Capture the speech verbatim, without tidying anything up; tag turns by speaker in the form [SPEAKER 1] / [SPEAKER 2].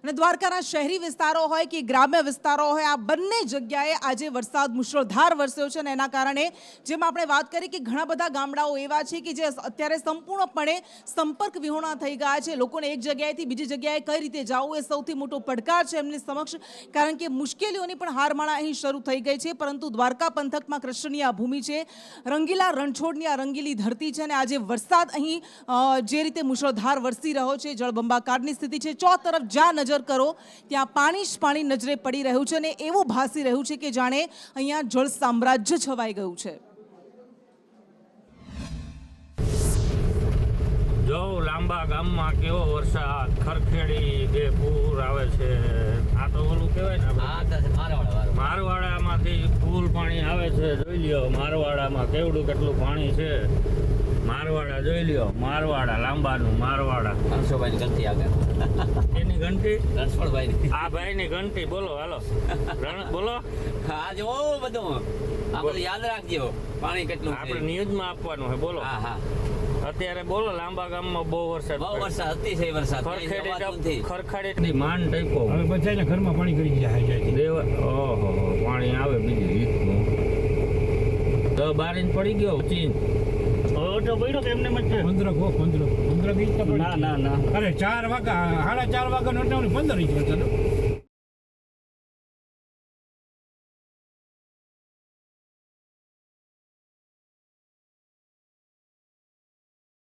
[SPEAKER 1] અને દ્વારકાના શહેરી વિસ્તારો હોય કે ગ્રામ્ય વિસ્તારો હોય આ બંને જગ્યાએ આજે વરસાદ મુશળધાર વરસ્યો છે અને એના કારણે જેમ આપણે વાત કરી કે ઘણા બધા ગામડાઓ એવા છે કે જે અત્યારે સંપૂર્ણપણે સંપર્ક વિહોણા થઈ ગયા છે. લોકોને એક જગ્યાએથી બીજી જગ્યાએ કઈ રીતે જવું એ સૌથી મોટો પડકાર છે એમની સમક્ષ, કારણ કે મુશ્કેલીઓની પણ હારમાળા અહીં શરૂ થઈ ગઈ છે. પરંતુ દ્વારકા પંથકમાં કૃષ્ણની આ ભૂમિ છે, રંગીલા રણછોડની આ રંગીલી ધરતી છે અને આજે વરસાદ અહીં જે રીતે મુશળધાર વરસી રહ્યો છે, જળબંબાકારની સ્થિતિ છે. ચો તરફ જ્યાં નજર કરો ત્યાં પાણી જ પાણી નજરે પડી રહ્યું છે અને એવું ભાસી રહ્યું છે કે જાણે અહીંયા જળ સામ્રાજ્ય છવાઈ ગયું છે.
[SPEAKER 2] જો લાંબા ગામમાં કેવો વરસાદ, ખરખેડી બે પૂર આવે છે. આ તો ઓલું કહેવાય ને આપણે મારવાડામાંથી ફૂલ પાણી આવે છે. જોઈ લ્યો મારવાડામાં કેવડું કેટલું પાણી છે. મારવાડા જોઈ લ્યો, મારવાડા લાંબાનું મારવાડા.
[SPEAKER 3] રણછોડભાઈની ઘંટી આગળ
[SPEAKER 2] એની ઘંટી
[SPEAKER 3] રણછોડભાઈની
[SPEAKER 2] આ ભાઈની ઘંટી. બોલો હાલો રણ બોલો.
[SPEAKER 3] હા જો બધું આ બધું યાદ રાખજો પાણી કેટલું છે.
[SPEAKER 2] આપણે ન્યૂઝમાં આપવાનું છે. બોલો
[SPEAKER 3] હા હા
[SPEAKER 2] અત્યારે બોલો લાંબા ગામમાં બહુ વરસાદ
[SPEAKER 3] બહુ વરસાદ અતિશય વરસાદ
[SPEAKER 2] ખરખેડી ખરખેડી માંડ ટાઈપો.
[SPEAKER 4] હવે બધાને ઘરમાં પાણી કરી ગયા જાય
[SPEAKER 2] દેવ ઓહો પાણી આવે બીજી રીતનું. તો બાર ઇંચ પડી ગયો ચીન તો પડ્યો કે એમને મત
[SPEAKER 4] પંદર ગો પંદર પંદર ઇંચ તો
[SPEAKER 2] ના ના ના
[SPEAKER 4] અરે ચાર વાગ્યા સાડા ચાર વાગ્યા નો પંદર ઇંચ વરસાદ.